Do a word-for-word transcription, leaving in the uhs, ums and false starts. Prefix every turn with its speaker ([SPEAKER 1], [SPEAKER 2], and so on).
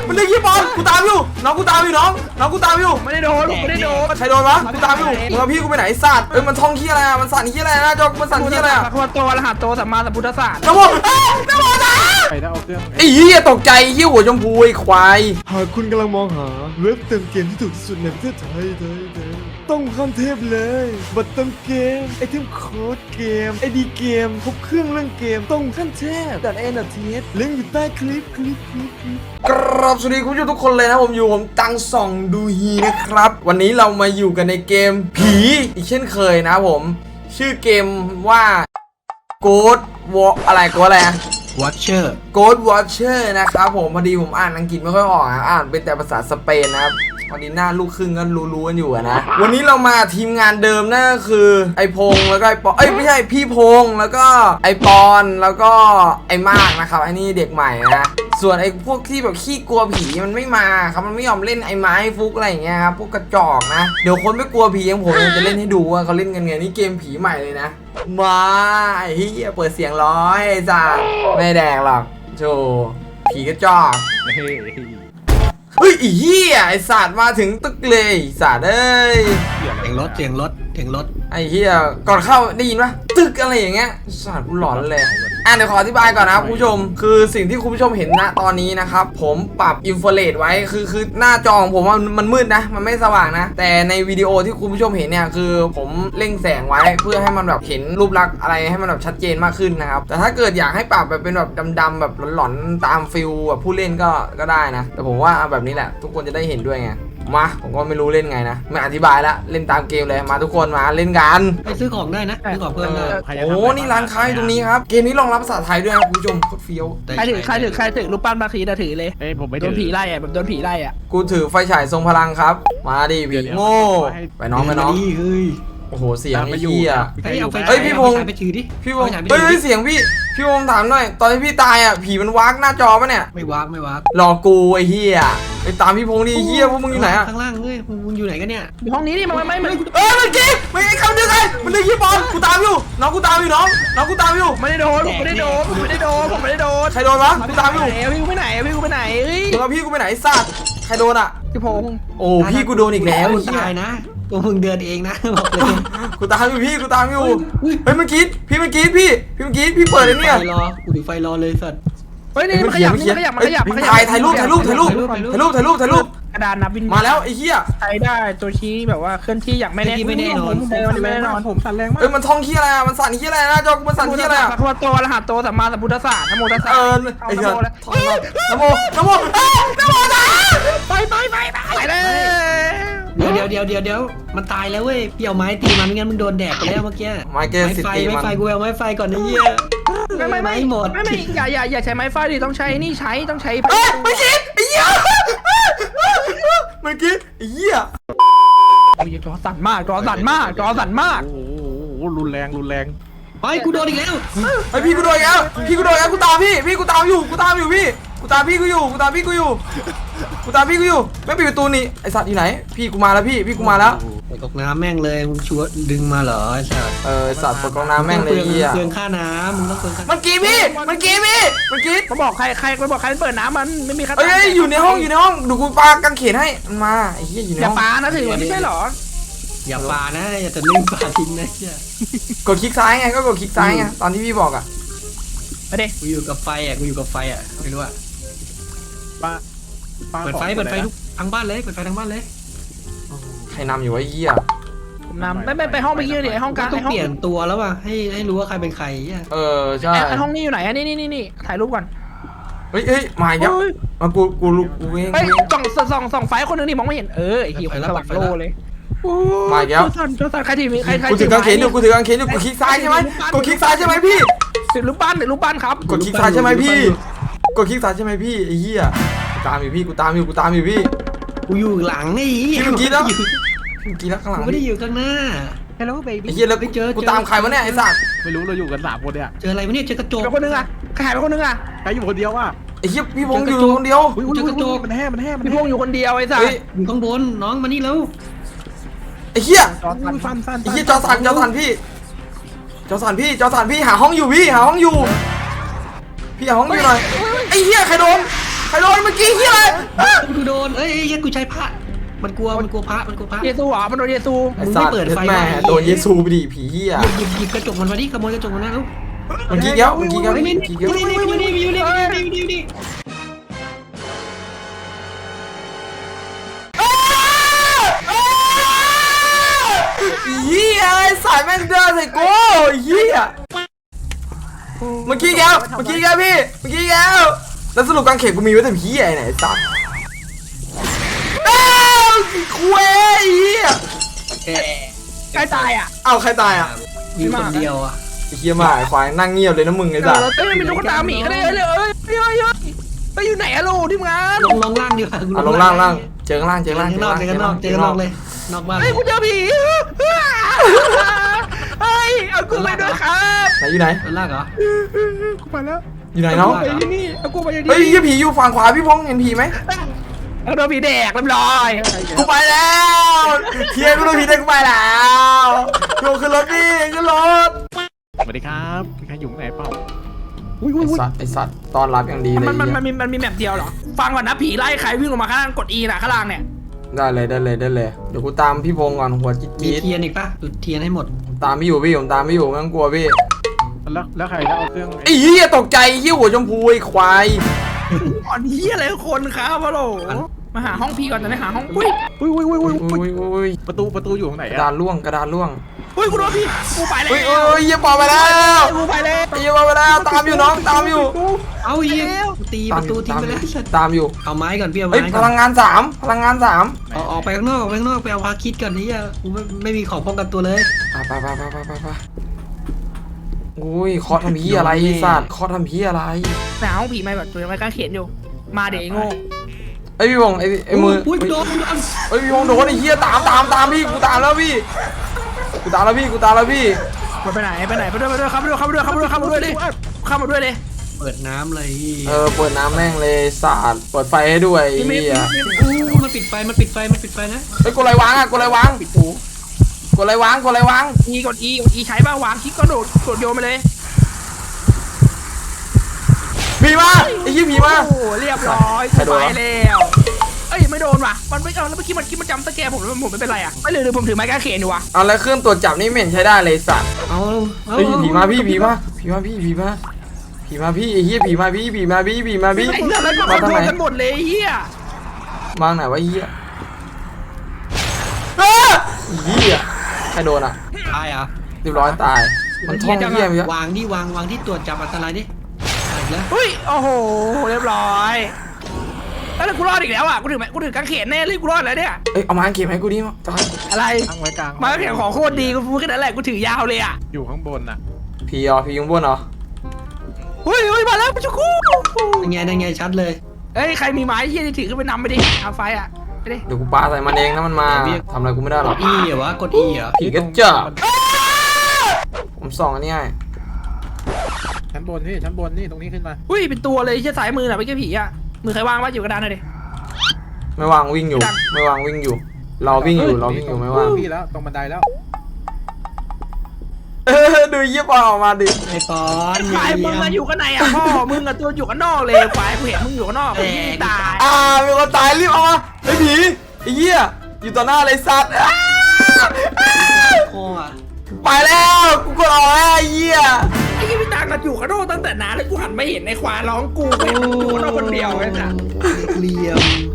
[SPEAKER 1] มันเล่นยี่บอลกูตามอยู่น้องกูตามอยู่น้องน้องกูตามอยู่
[SPEAKER 2] ไม่ได้โดนไม่ได้โดน
[SPEAKER 1] ใครโดนวะกูตามอยู่มึงเอาพี่กูไปไหนสัตว์เอ้ยมันท่องขี้อะไรอ่ะมันสั่นขี้อะไรนะจอกมันสั่นขี้อะไรอ่ะ
[SPEAKER 2] พระโตรหัสโตสัมมาสัมพุทธศาสตร์
[SPEAKER 1] น้ำมันน้ำมันนะ
[SPEAKER 3] ไปแล้วเอาเครื่อง
[SPEAKER 1] ไอ้เหี้ยตกใจเหี้ยหัวชมพูไอ้ควาย
[SPEAKER 4] หากคุณกำลังมองหาเว็บเติมเกมที่ถูกที่สุดในประเทศไทยไทยไทยต้องขั้นเทพเลยบัตรเติมเกมไอเทมโค้ดเกมไอดีเกมครบเครื่องเรื่องเกมต้องขั้นเทพดัดเอ็นดัดเทสลิงก์อยู่ใต้คลิปคลิปคลิปคลิป
[SPEAKER 1] กราบสวัสดีคุณผู้ชมทุกคนเลยนะผมอยู่ผมตังส่องดูฮีนะครับวันนี้เรามาอยู่กันในเกมผีอีกเช่นเคยนะผมชื่อเกมว่า Ghost Walk อะไรก็อะไรอะ
[SPEAKER 5] Watcher
[SPEAKER 1] Ghost Watcher นะครับผมพอดีผมอ่านอังกฤษไม่ค่อยออกอ่านเป็นแต่ภาษาสเปนนะครับวันนี้หน้าลูกครึ่งก็รู้ๆกันอยู่นะวันนี้เรามาทีมงานเดิมนั่นก็คือไอพงแล้วก็ไอปอเอ้ยไม่ใช่พี่พงแล้วก็ไอปอนแล้วก็ไอมากนะครับไอนี่เด็กใหม่นะส่วนไอพวกที่แบบขี้กลัวผีมันไม่มาครับมันไม่ยอมเล่นไอไม้ฟุกอะไรอย่างเงี้ยครับพวกกระจอกนะเดี๋ยวคนไม่กลัวผีอย่างผมจะเล่นให้ดูว่าเขาเล่นกันไงนี่เกมผีใหม่เลยนะมาไอ้เหี้ยเปิดเสียงร้อยไอ้จ้าไม่แดงหรอกโจผีกระจอกเฮ้ยไอ้เหี้ยไอ้สัตว์มาถึงตึกเลยสัตว์เอ้ย
[SPEAKER 5] เสียงรถเสียงรถเสียงรถ
[SPEAKER 1] ไอ้เหี้ยก่อนเข้าได้ยินปะตึกอะไรอย่างเงี้ยสัตว์กูหลอนเลยอ่ะเดี๋ยวขออธิบายก่อนนะคุณผู้ชมคือสิ่งที่คุณผู้ชมเห็นณตอนนี้นะครับผมปรับอินฟราเรดไว้คือคือหน้าจอของผมมันมันมืดนะมันไม่สว่างนะแต่ในวิดีโอที่คุณผู้ชมเห็นเนี่ยคือผมเร่งแสงไว้เพื่อให้มันแบบเห็นรูปลักษณ์อะไรให้มันแบบชัดเจนมากขึ้นนะครับแต่ถ้าเกิดอยากให้ปรับแบบเป็นแบบดำๆแบบหลอนๆตามฟิลแบบผู้เล่นก็ก็ได้นะแต่ผมว่าเอาแบบนี้แหละทุกคนจะได้เห็นด้วยไงมาผมก็ไม่รู้เล่นไงนะไม่อธิบายละเล่นตามเกมเลยมาทุกคนมาเล่นกัน
[SPEAKER 5] ไปซื้อของได้นะซื้อของเพิ่มได้
[SPEAKER 1] โอ้นี่ร้านค้าอยู่ตรงนี้ครับเกมนี้รองรับภาษาไทยด้วยนะคุณผู้ชมโคตรเฟี้ยว
[SPEAKER 2] ใครถือใครถือใครถือรูปปั้นมาคีจะถือเลย
[SPEAKER 3] เอ้ยผมไม่
[SPEAKER 2] โดนผีไล่อะแบบโดนผีไล่อะ
[SPEAKER 1] กูถือไฟฉายทรงพลังครับมาดิผีโง่ไปน้องไปน้อง
[SPEAKER 5] เฮ้ย
[SPEAKER 1] โอ้โหเสียงไอ้เหี้ย
[SPEAKER 5] เฮ้ยเอาไฟ
[SPEAKER 1] เฮ้ยพี่พงษ์
[SPEAKER 5] ไปถือดิ
[SPEAKER 1] พี่วงเฮ้ยเสียงพี่พี่วงถามหน่อยตอนที่พี่ตายอ่ะผีมันวากหน้าจอปะเนี่ย
[SPEAKER 5] ไม่วากไม่วาก
[SPEAKER 1] หลอกกูไอ้เหี้ยไปตามพี่พงษ์ดิเหี้ยพวกมึงอยู่ไหนอ่ะ
[SPEAKER 5] ข้างล่างเฮ้ยมึงอยู่ไหนกันเนี่ย
[SPEAKER 2] อยู่ห้องนี้นี่มันไม่ไม่
[SPEAKER 1] เอ้ยเมื่อกี้ไม่ไอ้คำเดียวกันมันเล่นยี่บอลกูตามอยู่น้องกูตามอยู่น้องน้องกูตามอยู่
[SPEAKER 2] ไม่ได้โดนไม่ได้โดนไม่ได้โดนผมไม่ได้โดน
[SPEAKER 1] ใครโดนวะกูตามอยู่
[SPEAKER 2] พี่กูไปไหนพี่กูไปไหนเฮ้ย
[SPEAKER 1] มึงเอาพี่กูไปไหนสัตว์ใครโดนอ่ะ
[SPEAKER 2] พี่พงษ์
[SPEAKER 1] โอ้พี่กูโดนอีกแล้ว
[SPEAKER 5] มึง
[SPEAKER 1] เหี้ย
[SPEAKER 5] ตายนะตัวมึงเดินเองนะบอกเลย
[SPEAKER 1] กูตามอยู่พี่กูตามอยู่เฮ้ยเมื่อกี้พี่เมื่อกี้พี่พี่เมื่อกี้พี่เปิดไอ้เนี่ย
[SPEAKER 5] ไฟรอกูถือไฟรอเลยสัตว์
[SPEAKER 2] เฮ้ยนี่มันขยับมันขยับมันขยับมันขยับ
[SPEAKER 1] ถ่ายถ่ายรูปถ่ายรูปถ่ายรูปถ่ายรูปถ่ายรูปถ่ายรูป
[SPEAKER 2] กระดานนับวิน
[SPEAKER 1] มาแล้วไอ้เหี้ย
[SPEAKER 2] ใช้ได้ตัวชี้แบบว่าเคลื่อนที่อย่างไม่แน่ไม่แน่นอนไม่แน่นอน
[SPEAKER 3] ผมสั่นแรงมาก
[SPEAKER 1] เอ้ยมันท่องขี้อะไรอ่ะมันสั่นขี้อะไรนะจอกมันสั่นขี้อะไรอ่ะ
[SPEAKER 2] พระโตรหัสโตสัมมาสัมพุทธศาสตร์นโมตัสสะ
[SPEAKER 1] เออไอ้เหี้ยท่องนโมนโมเอ้ยนโมนะ
[SPEAKER 2] ไปไปไปไปไปเลย
[SPEAKER 5] เดี๋ยวเดี๋ยวเดี๋ยวเดี๋ยวเดี๋ยวมันตายแล้วเว้ยพี่เอาไม้ตีมันไม่งั้นมึงโดนแดกไปแล้วเมื่อกี้
[SPEAKER 1] ไม้เกสสิ
[SPEAKER 5] ไฟ
[SPEAKER 1] ตี
[SPEAKER 5] ไม้
[SPEAKER 1] มัน
[SPEAKER 5] ไฟกูเอาไม้ไฟก่อนนะเหี้ย
[SPEAKER 2] ไม่ไม่ไม่
[SPEAKER 5] หมด
[SPEAKER 2] ไม่ไม่อย่าอย่าอย่าใช้ไม้ฟาดดิต้องใช้นี่ใช้ต้องใช้
[SPEAKER 1] เอ้ยเมื่อกี้ไอ้เหี้ยเมื่อกี้ไอ้เหี้ย
[SPEAKER 2] โอ้ยจอสั่นมากจอสั่นมากจอสั่นมาก
[SPEAKER 3] โอ้โหรุนแรงรุนแรง
[SPEAKER 5] เฮ้ยกูโดนอีกแล้ว
[SPEAKER 1] ไอ้พี่กูโดนแล้วพี่กูโดนแล้วกูตามพี่พี่กูตามอยู่กูตามอยู่พี่กูตามพี่กูอยู่กูตามพี่กูอยู่กูตามพี่กูอยู่ไม่ปิดประตูนี่ไอสัตว์อยู่ไหนพี่กูมาแล้วพี่พี่กูมาแล้ว
[SPEAKER 5] ไปกอกน้ำแม่งเลยมึงชัวดึงมาเหรอไอ้สัตว์
[SPEAKER 1] เออสัตว์ตกกองน้ำแม่งเลยเหี้ย
[SPEAKER 5] เปลืองค่าน้ำมึงต้องเปลืองค่า
[SPEAKER 1] เมื่อกี้พี่เมื่อกี้พี่เมื่อกี้
[SPEAKER 2] มาบอกใครใครไปบอกใครเปิดน้ำมันไม่มีใคร
[SPEAKER 1] เอ้ยอยู่ในห้องอยู่ในห้องดูกูปากังเขนให้มันมาไอ้เหี้ยอยู่ใน
[SPEAKER 2] อย่า
[SPEAKER 1] ห้อง
[SPEAKER 2] ปานะถือไม่ใช่หรอ
[SPEAKER 5] อย่าปานะอย่าจะเล่นปาทิ้งนะเชี่ย
[SPEAKER 1] กดคลิกซ้ายไงก็กดคลิกซ้ายไงตอนที่พี่บอกอ่ะ
[SPEAKER 2] ไปดิ
[SPEAKER 5] กูอยู่กับไฟอ่ะกูอยู่กับไฟอ่ะไม่รู้อ่ะ
[SPEAKER 3] ป้าป้า
[SPEAKER 5] เปิดไฟเปิดไฟทุกทั้งบ้านเลยเปิดไฟทั้งบ้านเลย
[SPEAKER 1] ใครนำอยู่วะไอ้เหี้ย
[SPEAKER 2] ผมนำไม่ไม่ไปห้องเมื่อกี้ดิห้องกลาง
[SPEAKER 5] ต้อง
[SPEAKER 2] ห้อง
[SPEAKER 5] เปลี่ยนตัวแล้วว่ะให้ให้รู้ว่าใครเป็นใครเชี่ย
[SPEAKER 1] เออใช่
[SPEAKER 2] ไอห้องนี้อยู่ไหนนี่นี่นี่นี่ถ่ายรูปก่อน
[SPEAKER 1] เฮ้ยเฮ้ยมาอีกแล้วมากูกูกูเอง
[SPEAKER 2] เฮ้ยส่องส่องส่องไฟคนนึงนี่มองไม่เห็นเออไอหิวสว่างโลเลย
[SPEAKER 1] มาอีกแล้ว
[SPEAKER 2] จอสันจอสันใครถือใครใคร
[SPEAKER 1] กูถือกางเขนอยู่กูถือกางเขนอยู่กดคลิกซ้ายใช่ไหมกดคลิกซ้ายใช่ไหมพี่
[SPEAKER 2] ถือรูปปั้นถือรูปปั้นครับ
[SPEAKER 1] กดคลิกซ้ายใช่ไหมพี่กดคลิกซ้ายใช่ไหมพี่ไอ้เหี้ยกูตามอยู่พี่กูตามอยู่กูตามอยู่พี่
[SPEAKER 5] กูอยู่หลังนี่
[SPEAKER 1] พี่เมื่อกี้แล้วเมื่อกี้แล้วข้างหลัง
[SPEAKER 5] กูไม่ได้อยู่ข้างหน้า
[SPEAKER 2] Hello baby
[SPEAKER 1] ไอ้เหี้ยแล้วกูตามใครวะเนี่ยไอ้สัตว์
[SPEAKER 3] ไม่รู้เราอยู่กันสามคนเนี่ย
[SPEAKER 5] เจออะไรวะเนี่ยเจอกระจก
[SPEAKER 2] เป็นคนนึงอ่ะใครหายไปคนนึงอ่ะ
[SPEAKER 3] ใครอยู่คนเดียวอ่ะ
[SPEAKER 1] ไอ้เหี้ยพี่พงษ์อยู่คนเดียว
[SPEAKER 3] อุ้ยอุ้ยอุ้ยมันแห้มันแห้มัน
[SPEAKER 2] พี่พ
[SPEAKER 3] แห้
[SPEAKER 2] งษ์อยู่คนเดียวไอ้สัส
[SPEAKER 1] เฮ้ย
[SPEAKER 5] อยู่ข้างบนน้องมานี่แล้ว
[SPEAKER 1] ไอ้เหี้ย
[SPEAKER 2] จอสัน
[SPEAKER 3] สั้นสั้น
[SPEAKER 1] ไอ้เหี้ยจอสันจอสันพี่จอสันพี่จอสันพี่หาห้องอยู่พี่หาห้องอยู่พี่หาห้องอยู่หน่อยไอ้เหี้ยใครโดนใครโดนเมื่อกี้เฮียอะไรอ่ะ
[SPEAKER 5] กูโดนเอ้ยเฮ้ยกูใช้พระมันกลัวมันกลัวพระมันกลัวพระ
[SPEAKER 2] เยซูเหรอมันโดนเยซู
[SPEAKER 1] ไอ้สัตว์
[SPEAKER 5] มึงไม่เปิดไฟ
[SPEAKER 1] แม่
[SPEAKER 5] ไว้
[SPEAKER 1] โดนเยซูไปดิผีเฮีย
[SPEAKER 5] หยิบหยิบหยิบกระจกมันมาดิขโมยกระจกมันนะลูก
[SPEAKER 1] เมื่อกี้แก้วเมื่อกี้แก้ว
[SPEAKER 5] เฮ้ย
[SPEAKER 1] เมื่
[SPEAKER 5] นี่
[SPEAKER 1] อกี้แก้ว
[SPEAKER 5] นี่นี่นี่นี่นี่นี่นี่นี่
[SPEAKER 1] เฮียไอ้สายแม่งเดินใส่กูเฮียเมื่อกี้แก้วเมื่อกี้แก้วพี่เมื่อกี้แก้วแล้วสรุปกางเขนกูมีไว้แต่ผีไอ้ไหนสัตว์เอ้าคุยเฮีย
[SPEAKER 2] ใกล้ตายอ่ะ
[SPEAKER 1] เอ้าใครตายอ่ะ
[SPEAKER 5] มีคนเดียวอ่ะ
[SPEAKER 1] ไอ้เฮียมาไอ้ควายนั่งเงียบเลยนะมึงไอ้สัตว์
[SPEAKER 2] เอ้ยเป็นลูกตาหมีก็ได้เลยเอ้ยเฮ้ยเฮ้ยไปอยู่ไหนอะลูกที่งาน
[SPEAKER 5] ลงลงล่างดีกว่า
[SPEAKER 1] อ่ะลงล่างล่างเจอข้างล่างเจอข้างล่าง
[SPEAKER 5] เจอข้างนอกเจอข้างนอกเจอข้างนอกเลยนอกบ้าน
[SPEAKER 2] เฮ้ยกูเจอผีเฮ้ยเอากูไปด้วยครับ
[SPEAKER 1] ไหนอยู่ไหน
[SPEAKER 5] ข้างล่างเหรอ
[SPEAKER 3] กูไปแล้ว
[SPEAKER 1] อยู่ไหนน้อง
[SPEAKER 2] ไปที่นี่เอากูไปที่
[SPEAKER 1] เฮ้ย
[SPEAKER 2] นี่
[SPEAKER 1] เฮียผีอยู่ฝั่งขวาพี่พงษ์เห็นผีไหม
[SPEAKER 2] เอาโดนผีแดกเรียบร้อย
[SPEAKER 1] กูไปแล้วเฮียกูโดนผีได้กูไปแล้วโยขึ้นรถดิขึ้นรถ
[SPEAKER 3] สวัสดีครับมีใครอยู่ไหนเปล่า
[SPEAKER 2] อุ้ย
[SPEAKER 1] ไอ
[SPEAKER 2] อุ้ยอุ้ย
[SPEAKER 1] สัตว์ไอสัตว์ต้อนรับอย่างดีเลย
[SPEAKER 2] มันมัน
[SPEAKER 1] เหี้ย
[SPEAKER 2] มันมีมันมีแมปเดียวเหรอฟังก่อนนะผีไล่ใครวิ่งลงมาข้างล่างกด E น่ะข้างล่างเนี่ย
[SPEAKER 1] ได้เลยได้เลยได้เลย เดี๋ยวกูตามพี่พงษ์ก่อนหัวจิ๊ด
[SPEAKER 5] มี
[SPEAKER 1] จี๊ด
[SPEAKER 5] เทียนอีกปะจุดเทียนให้หมด
[SPEAKER 1] ตามพี่อยู่พี่ผมตามพี่อยู่ไม่ต้องกลัวพี่
[SPEAKER 3] แล้วแล้วใครจะเอาเครื่อง
[SPEAKER 1] ไอ้เหี้ยตกใจเหี้ยหัวชมพูไอ้ควาย
[SPEAKER 2] อ่อนเฮียอะไรคนครับฮัลโหลมาหาห้องผีก่อนจะได้หาห้องอุ้ย
[SPEAKER 3] อุ้ยอุ้ยอุ้ยอุ้ย
[SPEAKER 1] อุ้ยอุ้ย
[SPEAKER 3] ประตูประตูอยู่ตรงไหน
[SPEAKER 1] กระ
[SPEAKER 3] อะ
[SPEAKER 1] ดานล่วงกระดานล่วง
[SPEAKER 2] อุ้ยกูโดนผีกูไปแล้ว
[SPEAKER 1] อุ้ยอุ้ยเหี้ยปอไปแล้ว
[SPEAKER 2] กูไปแล้ว
[SPEAKER 1] ไอ้เหี้ยปอไปแล้วตามอยู่น้องตามอยู่
[SPEAKER 5] เอาอีกตี
[SPEAKER 1] ตา
[SPEAKER 5] ป
[SPEAKER 1] ม
[SPEAKER 5] ระ
[SPEAKER 1] อ
[SPEAKER 5] ตู
[SPEAKER 1] ยู่
[SPEAKER 5] ทิ้ง
[SPEAKER 1] ตาม
[SPEAKER 5] ไป
[SPEAKER 1] อ
[SPEAKER 5] แล้
[SPEAKER 1] ยู่
[SPEAKER 5] ว
[SPEAKER 1] ตามอยู่
[SPEAKER 5] เอาไม้ก่อนพี่เอา
[SPEAKER 1] เฮ้ย
[SPEAKER 5] ไม้
[SPEAKER 1] พ
[SPEAKER 5] ก่อน
[SPEAKER 1] ลังงานสามพลังงานสาม
[SPEAKER 5] ออกออกไปข้างนอกออกไปข้างนอกไปเอาพาคิดก่อนนี่อ่ะกูไม่ไม่มีของป้องกันตัวเลย
[SPEAKER 1] ไปไปไปไปไปไปอุ้ยเคาะทำพีอะไรไอ้สัตว์เคาะทำพีอะไร
[SPEAKER 2] หาห้องผีมาแบบตัวยังไม่กล้าเขียนอยู่มาเดี๋ยวไอ้โง่
[SPEAKER 1] ไอ้พี่พงษ์ไอ้ไอ้มือ
[SPEAKER 5] อุ้ยโดนโดน
[SPEAKER 1] เฮ้ยพี่พงษ์โดนไอ้เหี้ยตามตามตามพี่กูตามแล้วพี่กูตามแล้วพี่กูตามแล้วพี่
[SPEAKER 2] มันไปไหนไปไหนไปด้วยไปด้วยเข้ามาด้วยเข้ามาด้วยเข้ามาด้วยเข้ามาด้วยดิเข้ามาด้วยเลย
[SPEAKER 5] เปิดน้ำเลย
[SPEAKER 1] เออเปิดน้ำแม่งเลยสาดเปิดไฟให้ด้วยไอ้
[SPEAKER 2] มี
[SPEAKER 1] เหี้ย
[SPEAKER 5] อู้มันปิดไฟมันปิดไฟมันปิดไฟนะ
[SPEAKER 1] เฮ้ยกดอะไรวางอ่ะกดอะไรวางกดอะไรวางกดอะไรวาง
[SPEAKER 2] อีกด E กด E ใช้บ้างวางคลิกก็โดดกดโยนไปเลย
[SPEAKER 1] ผีมาไอ้เหี้ยผีมา
[SPEAKER 2] โอ้เรียบร้อย
[SPEAKER 1] ใครโดน
[SPEAKER 2] ไป
[SPEAKER 1] วะ
[SPEAKER 2] แล้วเอ้ยไม่โดนว่ะมันไม่เอาแล้วเมื่อกี้มันกี้มันจำตะแกผมแล้วผมไม่เป็นไรอ่ะไม่เลยเลยผมถือไม้กางเขนอยู่ว่ะ
[SPEAKER 1] เอาแล้วเครื่องตรวจจับนี่ไม่เห็นใช้ได้เลยสัตว์
[SPEAKER 5] เอาเอา
[SPEAKER 1] เฮ้ยผีมาพี่ผีมาผีมาพี่ผีมาผีมาพี่ไอ้เหี้ยผีมาพี่ผีมาพี่ผีมาพี่
[SPEAKER 2] ไอ้เรื่องนั้นก็
[SPEAKER 1] มา
[SPEAKER 2] คอน
[SPEAKER 1] ทาง
[SPEAKER 2] โทร
[SPEAKER 1] ไหน
[SPEAKER 2] ลกันหมดเลยไอ้เฮีย
[SPEAKER 1] มาไหนวะไอ้เหี้ยอ้าไอ้เหี้ยใครโดนอ่ะ
[SPEAKER 5] ตายอ่ะ
[SPEAKER 1] เรียบร้อยตายมันท่องเหี้ยไปเยอะ
[SPEAKER 5] วางที่วางวางที่ตรวจจับอันตรายดิอีกแล้ว
[SPEAKER 2] เฮ้ยโอ้โหเรียบร้อยแล้วกูรอดอีกแล้วอ่ะกูถือไม้กูถือกางเขนแน่เลยกูรอดแล้วเนี่ย
[SPEAKER 1] เอ้ยเอามาเก็บให้กูดิมั้งจอย
[SPEAKER 2] อะไร
[SPEAKER 3] ตั้งไว้กลาง
[SPEAKER 2] ไม้กางเขนของโคตรดีกูพูดแค่นั้นแหละกูถือยาวเลยอ่ะ
[SPEAKER 3] อยู่ข้างบนน่ะ
[SPEAKER 1] ผีเหรอผียุงบ้วนเหรอ
[SPEAKER 2] เฮ้ยเฮ้ยมาแล้วจุกู
[SPEAKER 5] ยังไงยังไงชัดเลย
[SPEAKER 2] เฮ้ยใครมีไม้เฮียที่ถือขึ้นไปนำไปดิเอาไฟอ่ะไปดิ
[SPEAKER 1] เดี๋ยวกูปาใส่มันเองนะมันมาทำอะไรกูไม่ได้หร
[SPEAKER 5] ก
[SPEAKER 1] อก
[SPEAKER 5] ด E เหรอวะกด E เหรอ
[SPEAKER 1] ผีกระจอกผมส่องอันนี้ให้
[SPEAKER 3] ชั้นบนนี่ชั้นบนนี่ตรงนี้ขึ้นมา
[SPEAKER 2] อุ้ยเป็นตัวเลยเชี่ยสายมือน่ะไม่ใช่ผีอ่ะมือใครวางวะอยู่กระดานหน่อยดิ
[SPEAKER 1] ไม่วางวิ่งอยู่ ไม่วางวิ่งอยู่ เราวิ่งอยู่เราวิ่งอยู่ไม่วาง
[SPEAKER 3] พี่แล้วตรงบันไดแล้ว
[SPEAKER 1] เออดูเยี่ยปออกมาดิ
[SPEAKER 5] ไอ้ปอน
[SPEAKER 2] ควายมึงอะอยู่ข้างในอ่ะพ่อมึงอะตัวอยู่ข้างนอกเลยควายกูเห็นมึงอยู่ข้างนอกมึงตาย
[SPEAKER 1] อ่ามีคนตายรีบเอามาไอ้ผีไอ้เหี้ยอยู่ต่อหน้าเลยสัตว์อ้า
[SPEAKER 5] โอ้อะ
[SPEAKER 1] ไปแล้วกูกดออกแล้วไอ้เหี้ย
[SPEAKER 2] ไอ้ยี่พี่ตังกันอยู่ข้างนอกตั้งแต่นานแล้วกูหันไม่เห็นในควายร้องกูเห็นมึงอยู่ข้างนอกคนเดียวไอ้สัส
[SPEAKER 5] เหลี่ยม